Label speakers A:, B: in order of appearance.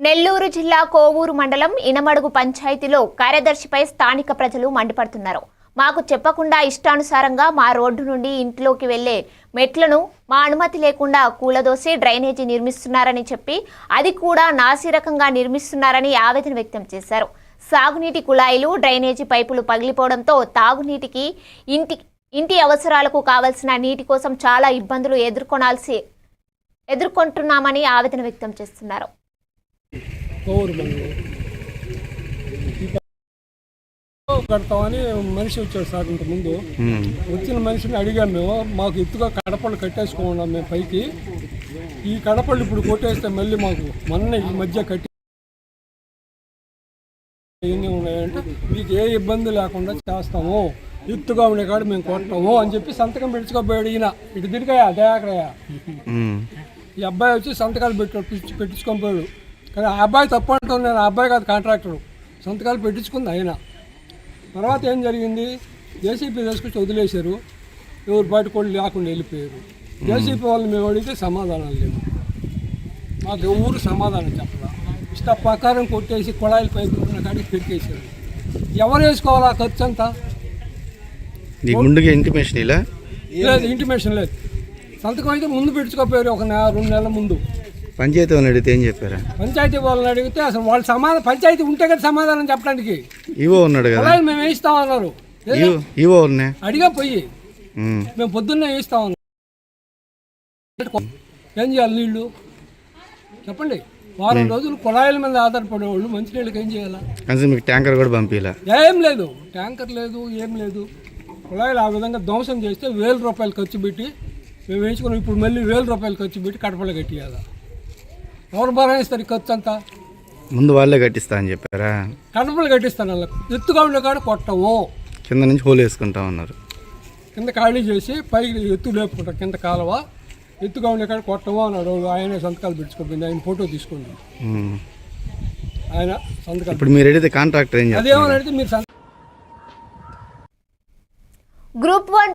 A: నెల్లూరు జిల్లా కోవూరు మండలం ఇనమడుగు పంచాయతీలో కార్యదర్శిపై స్థానిక ప్రజలు మండిపడుతున్నారు. మాకు చెప్పకుండా ఇష్టానుసారంగా మా రోడ్డు నుండి ఇంట్లోకి వెళ్లే మెట్లను మా అనుమతి లేకుండా కూలదోసి డ్రైనేజీ నిర్మిస్తున్నారని చెప్పి అది కూడా నాసిరకంగా నిర్మిస్తున్నారని ఆవేదన వ్యక్తం చేశారు. సాగునీటి కుళాయిలు, డ్రైనేజీ పైపులు పగిలిపోవడంతో తాగునీటికి, ఇంటి అవసరాలకు కావలసిన నీటి కోసం చాలా ఇబ్బందులు ఎదుర్కొంటున్నామని ఆవేదన వ్యక్తం చేస్తున్నారు.
B: కడతామని మనిషి వచ్చాడు సార్. ఇంత ముందు వచ్చిన మనిషిని అడిగాము మేము, మాకు ఎత్తుగా కడపళ్ళు కట్టేసుకున్నాం మేము పైకి. ఈ కడపళ్ళు ఇప్పుడు కొట్టేస్తే మళ్ళీ మాకు మొన్న ఈ మధ్య కట్టి ఎన్ని ఉన్నాయంటే మీకు ఏ ఇబ్బంది లేకుండా చేస్తాము, ఎత్తుగా ఉండే కాడ మేము కొట్టము అని చెప్పి సంతకం పెట్టుకోబోయాడు. ఈయన ఇటు తిరిగాయా దయాకరయ్య ఈ అబ్బాయి వచ్చి సంతకాలు పెట్టించుకొని పోయాడు. కానీ ఆ అబ్బాయి తప్పు అంటాను నేను. ఆ అబ్బాయి కాదు కాంట్రాక్టరు, సంతకాలు పెట్టించుకుంది ఆయన. తర్వాత ఏం జరిగింది, జేసీపీ తీసుకొచ్చి వదిలేశారు. ఎవరు బయట కూడా లేకుండా వెళ్ళిపోయారు. జేసీపీ వాళ్ళు మేము అడిగితే సమాధానాలు లేవు. మాకు ఎవరు సమాధానం చెప్పాల. ఇష్ట ప్రకారం కొట్టేసి కుళాయిల పైపు ఉన్న కాడికి పెట్టేశారు. ఎవరు వేసుకోవాలి ఆ ఖర్చు అంతా?
C: ఇంటిమేషన్
B: లేదు, ఇంటిమేషన్ లేదు. సంతకం అయితే ముందు పెట్టుకోపోయారు, ఒక 2 నెలల ముందు.
C: పంచాయతీ వాళ్ళని అడిగితే ఏం చెప్పారా?
B: పంచాయతీ వాళ్ళని అడిగితే అసలు వాళ్ళు పంచాయతీ ఉంటే కదా సమాధానం చెప్పడానికి.
C: ఈవో ఉన్నాడు కదా,
B: మేము వేయిస్తామన్నారు.
C: ఈవో
B: అడిగా పోయి మేము పొద్దున్నే వేయిస్తామన్నారు. ఏం చేయాలి? నీళ్లు చెప్పండి. వారం రోజులు కుళాయిల మీద ఆధారపడేవాళ్ళు మంచినీళ్ళకి ఏం చేయాలా?
C: మీకు ట్యాంకర్ కూడా పంపించాలా?
B: ఏం లేదు, ట్యాంకర్ లేదు, ఏం లేదు. కుళాయిలు ఆ విధంగా ధ్వంసం చేస్తే 1000 రూపాయలు ఖర్చు పెట్టి మేము వేయించుకున్నాం. ఇప్పుడు మళ్ళీ 1000 రూపాయలు ఖర్చు పెట్టి కడపలు కట్టియాలా? ఎవరు భరాయిస్తారు ఈ ఖర్చు అంతా?
C: ముందు వాళ్ళే కట్టిస్తా అని చెప్పారా?
B: కడపలు కట్టిస్తాను. వాళ్ళకి ఎత్తుగా ఉండే కాడ కొట్టము,
C: కింద నుంచి హోల్ వేసుకుంటా ఉన్నారు.
B: కింద ఖాళీ చేసి పైకి ఎత్తు లేపుకుంటాం. కింద కాలువ ఎత్తుగా ఉండే కాడ కొట్టము అన్నాడు. ఆయన సంతకాలు పెట్టుకోపోయింది. ఆయన ఫోటో తీసుకోండి, ఆయన సంతకాలు.
C: ఇప్పుడు మీరు అడిగితే కాంట్రాక్టర్ ఏం చేస్తారు?
B: అదేమని అడిగితే మీరు
A: గ్రూప్ 1